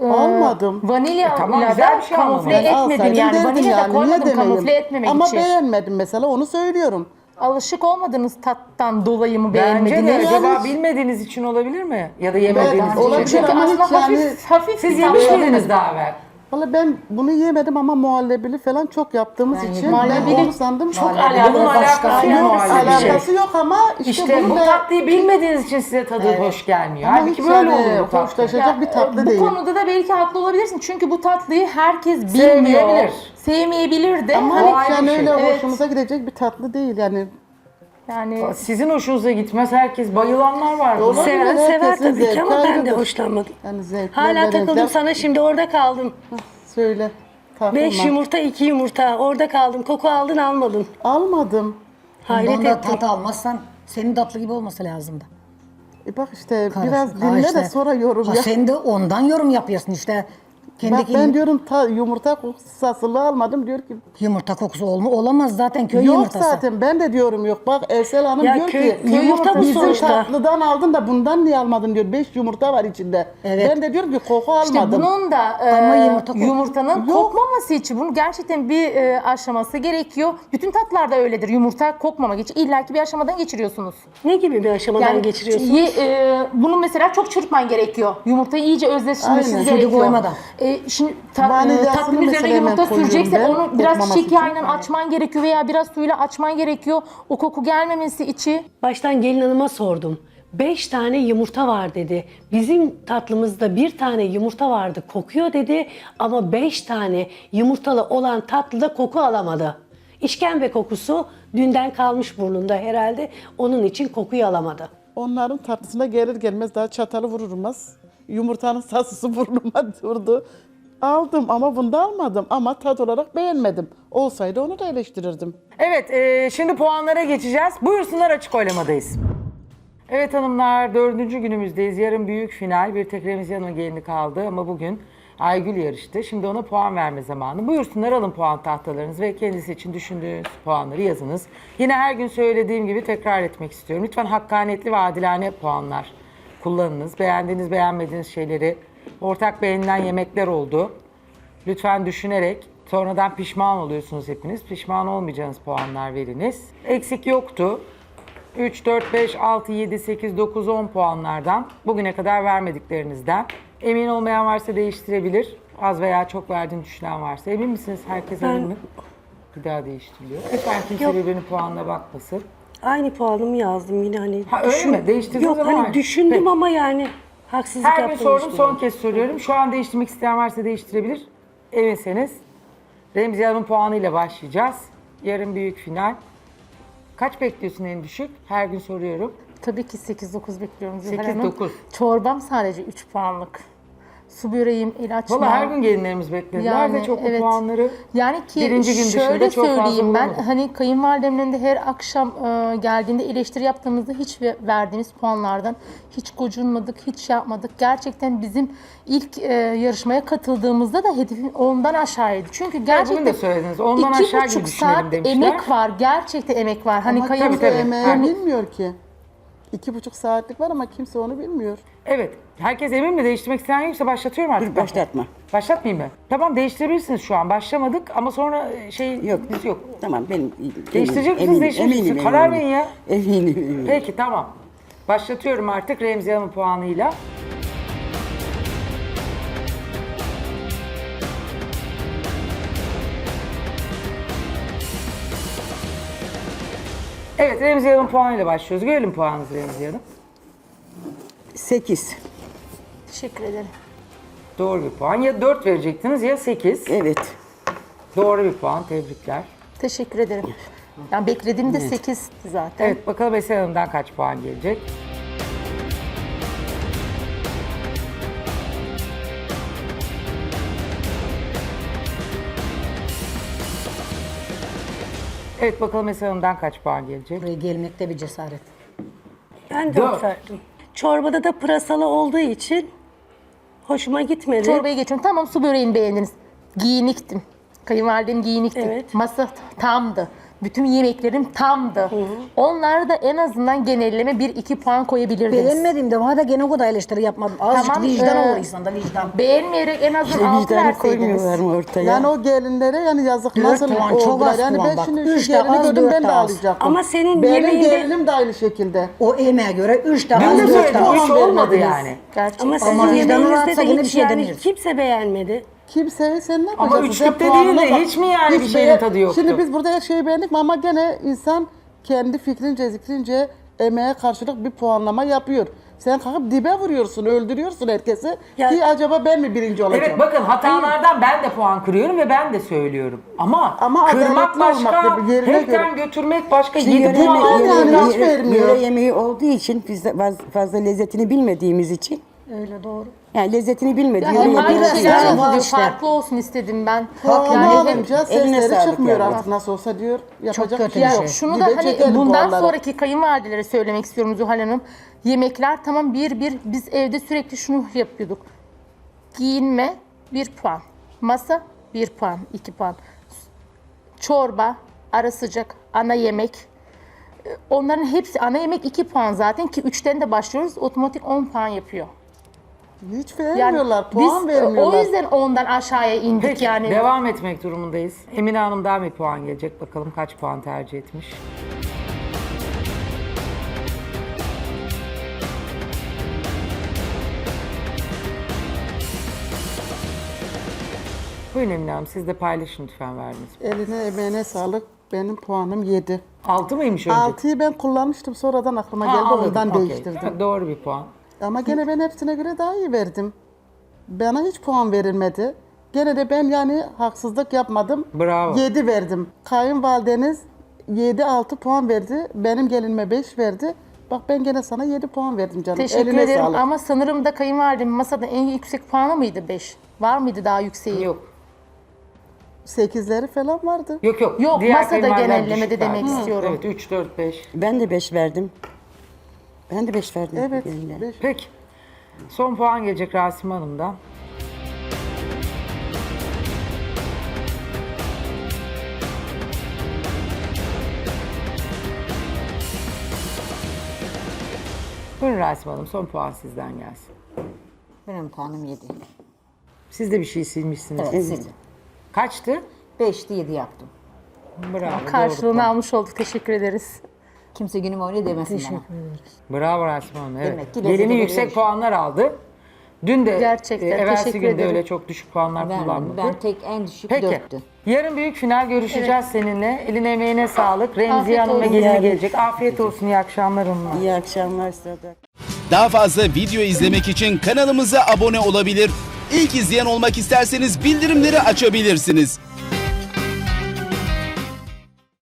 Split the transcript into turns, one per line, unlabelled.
Almadım.
Vanilya
tamam,
ile
güzel
de
bir şey
kamufle
almadım.
etmedim
Alsaydım
yani.
derdim
Vanilya da
yani, niye
koymadım
demeyeyim?
kamufle etmemek
Ama
için.
beğenmedim mesela, onu söylüyorum.
Alışık olmadığınız tattan dolayı mı
Bence de
beğenmediniz?
acaba
Yani-
bilmediğiniz için olabilir mi? Ya da yemediğiniz
Ben- olabilir
için.
Çünkü
ama
aslında
hiç yani-
hafif
Siz
bir
yemiş
tat.
miydiniz daha evvel?
Valla ben bunu yemedim ama muhallebili falan çok yaptığımız için
muhallebili
ben onu sandım.
çok
Bunun
alakalı.
alakası yok muhallebi.
Alakası yok ama işte,
İşte
bunu
bu
da
tatlıyı bilmediğiniz için size tadı hoş gelmiyor.
ama
Halbuki
hiç
böyle
yani
olur bu tatlı.
hoşlaşacak bir tatlı
Bu
değil.
konuda da belki haklı olabilirsin. Çünkü bu tatlıyı herkes bilmiyor.
Sevmeyebilir.
Sevmeyebilir de.
Ama
O
Hani
hiç
ayrı
yani
bir şey.
öyle
Evet.
hoşumuza gidecek bir tatlı değil yani.
yani
Sizin hoşunuza gitmez, herkes bayılanlar var. buna.
Olabilir.
Seven
Herkesin
sever tabii ki
zevki
ama ben de
ayrıdır.
hoşlanmadım.
Yani zevkler
Hala
ve
takıldım
renkler-
sana, şimdi orada kaldım.
Söyle. Takılma.
5 yumurta 2 yumurta orada kaldım. Koku aldın almadın.
Almadım.
Hayret
Bundan da
ettim.
tat almazsan senin tatlı gibi olması lazımdı.
Bak işte
Karış.
biraz
Ha
dinle
işte.
de sonra yorum
Ha,
yap.
sen de ondan yorum yapıyorsun işte. Kendi
Bak ben diyorum yumurta kokusu sasılığı almadım, diyor ki
yumurta kokusu olamaz zaten, köy
yok
yumurtası.
zaten, ben de diyorum yok. Bak Ersel Hanım
Ya
diyor
köy
ki
yumurta bu
bizim
sonuçta.
tatlıdan aldın da bundan niye almadın diyor. 5 yumurta var içinde.
Evet.
Ben de diyorum ki koku
İşte
almadım.
bunun da
Ama yumurta
yumurtanın
Yok.
kokmaması için bunun gerçekten bir aşaması gerekiyor. Bütün tatlarda öyledir. Yumurta kokmamak için illaki bir aşamadan geçiriyorsunuz.
Ne gibi bir aşamadan geçiriyorsun?
Bunu mesela çok çırpman gerekiyor. Yumurtayı iyice özleştirmesi
Aynen.
gerekiyor.
Suyu koymadan.
Şimdi
Vanilyasını
tatlının üzerine
mesela
yumurta
hemen koyuyorum
süreceksen
ben,
onu biraz
kokmaması
şekerle
için.
açman gerekiyor veya biraz suyla açman gerekiyor. O koku gelmemesi için.
Baştan gelin hanıma sordum. 5 tane yumurta var dedi. Bizim tatlımızda 1 tane yumurta vardı, kokuyor dedi. Ama 5 tane yumurtalı olan tatlıda koku alamadı. İşkembe kokusu dünden kalmış burnunda herhalde. Onun için kokuyu alamadı.
Onların tatlısına gelir gelmez daha çatalı vurulmaz. Yumurtanın sasısı burnuma durdu. Aldım ama bunda almadım ama tat olarak beğenmedim. Olsaydı onu da eleştirirdim.
Evet, şimdi puanlara geçeceğiz. Buyursunlar, açık oylamadayız. Evet hanımlar, 4. günümüzdeyiz. Yarın büyük final. Bir tek Remziye Hanım'ın gelini kaldı ama bugün Aygül yarıştı. Şimdi ona puan verme zamanı. Buyursunlar, alın puan tahtalarınızı ve kendisi için düşündüğünüz puanları yazınız. Yine her gün söylediğim gibi tekrar etmek istiyorum. Lütfen hakkaniyetli ve adilane puanlar kullanınız. Beğendiğiniz, beğenmediğiniz şeyleri, ortak beğenilen yemekler oldu. Lütfen düşünerek, sonradan pişman oluyorsunuz hepiniz. Pişman olmayacağınız puanlar veriniz. Eksik yoktu. 3, 4, 5, 6, 7, 8, 9, 10 puanlardan bugüne kadar vermediklerinizden. Emin olmayan varsa değiştirebilir. Az veya çok verdiğini düşünen varsa. Emin misiniz? Herkes emin mi? Bir daha değiştiriliyor. Lütfen kimse birbirinin puanına bakmasın.
Aynı puanımı yazdım yine hani.
Ha, öyle mi? Değiştirdiniz
Yok
ama
hani
aynı.
düşündüm
Peki.
ama yani haksızlık
Her gün
yaptığımı
sordum,
düşünüyorum.
son kez soruyorum. Şu an değiştirmek isteyen varsa değiştirebilir. Eminseniz. Remziye Hanım'ın puanıyla başlayacağız. Yarın büyük final. Kaç bekliyorsun en düşük? Her gün soruyorum.
Tabii ki 8-9 bekliyorum. Zühre
8,
Hanım.
9.
Çorbam sadece 3 puanlık. Su böreğim, ilaçmam.
Valla her gün gelinlerimiz beklediler ve çok bu puanları
Yani ki
birinci gün dışında
şöyle
çok fazla
söyleyeyim, ben
bulamadım.
hani kayınvalidemle de her akşam geldiğinde eleştiri yaptığımızda hiç verdiğiniz puanlardan hiç gocunmadık, hiç şey yapmadık. Gerçekten bizim ilk yarışmaya katıldığımızda da hedefin ondan aşağıydı. Çünkü gerçekten
bugün de söylediniz, ondan
iki
aşağı gibi
buçuk
düşünelim
saat
demişler.
emek var, gerçekten emek var. Hani
Ama
kayın
kimse
tabii.
emeği bilmiyor ki. 2,5 saatlik var ama kimse onu bilmiyor.
Evet. Herkes emin mi? Değiştirmek isteyen yoksa başlatıyorum artık.
Dur, başlatma.
Başlatmayayım mı? Tamam, değiştirebilirsiniz şu an. Başlamadık ama sonra
Yok.
biz yok.
Tamam benim
Değiştirecek misiniz, değiştirmeyecek misiniz? Karar verin ya.
Eminim.
Peki tamam. Başlatıyorum artık Remziye Hanım'ın puanıyla. Evet, Remziye Hanım'ın puanıyla başlıyoruz. Görelim puanınızı Remziye Hanım.
8.
teşekkür ederim.
Doğru bir puan. Ya 4 verecektiniz ya 8.
Evet.
Doğru bir puan. Tebrikler.
Teşekkür ederim. Yani beklediğim de 8'ti zaten.
Evet, bakalım Eser Hanım'dan kaç puan gelecek? Evet, bakalım Eser Hanım'dan kaç puan gelecek?
Buraya gelmekte bir cesaret.
Ben 4
Dört.
verdim. Çorbada da pırasalı olduğu için hoşuma gitmedi.
Çorbaya geçiyorum. Tamam, su böreğini beğendiniz. Giyiniktim. Kayınvalidem giyinikti.
Evet.
Masa tamdı. Bütün yemeklerim tamdı. Onlara da en azından genelleme 1-2 puan koyabilirdiniz.
Beğenmediğimde bana da gene o kadar eleştiri yapmadım. Azıcık
Tamam,
vicdan olur
e,
insanda vicdan.
Beğenmeyerek en azından 6
Vicdanı koymuyorlar
verseydiniz.
mı ortaya?
Yani o gelinlere yani yazık
Dört
nasıl
puan, çok
oldular.
az
Yani
puan
ben
bak.
şimdi
Üç
şu
de
gelini
az,
gördüm
dört
ben
de
de
az.
ağlayacaktım.
Ama senin
Benim
yemeğinde-
gelinim de aynı şekilde.
O emeğe göre 3 de
Ben
az
de
4 de
puan
az.
Hiç olmadı
vermediniz.
yani.
Gerçekten.
Ama sizin
Ama vicdanı
yemeğinizde
rahatsa
de
yine bir
hiç
şey
yani
demiyoruz.
kimse beğenmedi.
Kimseye sen ne
Ama
yapacaksın? Sen
üçlükte
puanına
değil de
bak.
hiç mi yani bir şeyin
beğen-
tadı yoktu?
Şimdi biz burada her şeyi beğendik mi ama gene insan kendi fikrince zikrince emeğe karşılık bir puanlama yapıyor. Sen kalkıp dibe vuruyorsun, öldürüyorsun herkesi.
Ya-
Ki acaba ben mi birinci olacağım?
Evet bakın hatalardan ben de puan kırıyorum ve ben de söylüyorum. Ama
Ama
kırmak
adaletli
başka,
olmak da bir yerine
hepten götürmek başka.
Şimdi
7 puan
yöre-
aldım.
yani hiç vermiyor.
Yöre yemeği olduğu için biz de fazla lezzetini bilmediğimiz için.
Öyle doğru.
Yani lezzetini bilmediği
Yani
yöre
hep aynı
yemeği.
şeyler
yani
yapılıyor.
işte.
Farklı olsun istedim ben.
Puanı
Yani
alınca
eline
sesleri
sağlık
çıkmıyor
yani.
artık nasıl olsa diyor. Yapacak
kötü
bir şey
bir
yok.
şey.
şunu
Dibe
da hani
çekelim
bundan
puanları.
sonraki kayınvalidelere söylemek istiyorum Zuhal Hanım. Yemekler tamam bir biz evde sürekli şunu yapıyorduk. Giyinme 1 puan. Masa 1 puan, 2 puan. Çorba, ara sıcak, ana yemek. Onların hepsi ana yemek 2 puan zaten ki 3'ten de başlıyoruz. Otomatik 10 puan yapıyor.
Hiç vermiyorlar,
biz
puan vermiyorlar.
o yüzden ondan aşağıya indik
Peki
yani.
devam etmek durumundayız. Emine Hanım'dan bir puan gelecek. Bakalım kaç puan tercih etmiş. Buyurun Emine Hanım siz de paylaşın lütfen verdiniz.
Eline emeğine sağlık. Benim puanım 7.
6 mıymış önce?
6'yı ben kullanmıştım sonradan aklıma
Ha,
geldi
anladım,
ondan
okey.
değiştirdim.
Doğru bir puan.
Ama gene ben hepsine göre daha iyi verdim. Bana hiç puan verilmedi. Gene de ben yani haksızlık yapmadım.
Bravo.
7 verdim. Kayınvalideniz 7-6 puan verdi. Benim gelinime 5 verdi. Bak ben gene sana 7 puan verdim canım.
Teşekkür
Eline
ederim
sağlık.
ama sanırım da kayınvalidem masada en yüksek puanı mıydı 5? Var mıydı daha yükseği?
Yok.
8'leri falan vardı.
Yok yok.
Yok,
Diğer
masada
kayınvalideler
genellemede
düşük
demek
verdi.
istiyorum.
Evet 3, 4, 5.
Ben de 5 verdim. Ben de 5 verdim.
Evet.
gelinle.
5.
Peki. Son puan gelecek Rasim Hanım'dan. Buyurun Rasim Hanım son puan sizden gelsin.
Benim puanım 7.
Siz de bir şey silmişsiniz.
Evet, sildim.
Kaçtı?
5'te 7 yaptım.
Bravo. doğru
Karşılığını
puan.
almış olduk. Teşekkür ederiz.
Kimse günüm öyle demesin bana.
Bravo Rasim Hanım. Evet.
Demek ki
Gelini
lezzeti
yüksek
veriyormuş.
puanlar aldı. Dün de
Gerçekten,
evvelsi
teşekkür
günde
ederim.
öyle çok düşük puanlar
Vermedim.
kullanmadı.
Ben tek en düşük
Peki.
4'tü.
Yarın büyük final görüşeceğiz seninle. Eline emeğine sağlık. Remziye
Afiyet
Hanım ve
olsun.
gelini gelecek. Afiyet olsun. İyi akşamlar hanımlar.
İyi akşamlar size de.
Daha fazla video izlemek için kanalımıza abone olabilir. İlk izleyen olmak isterseniz bildirimleri açabilirsiniz.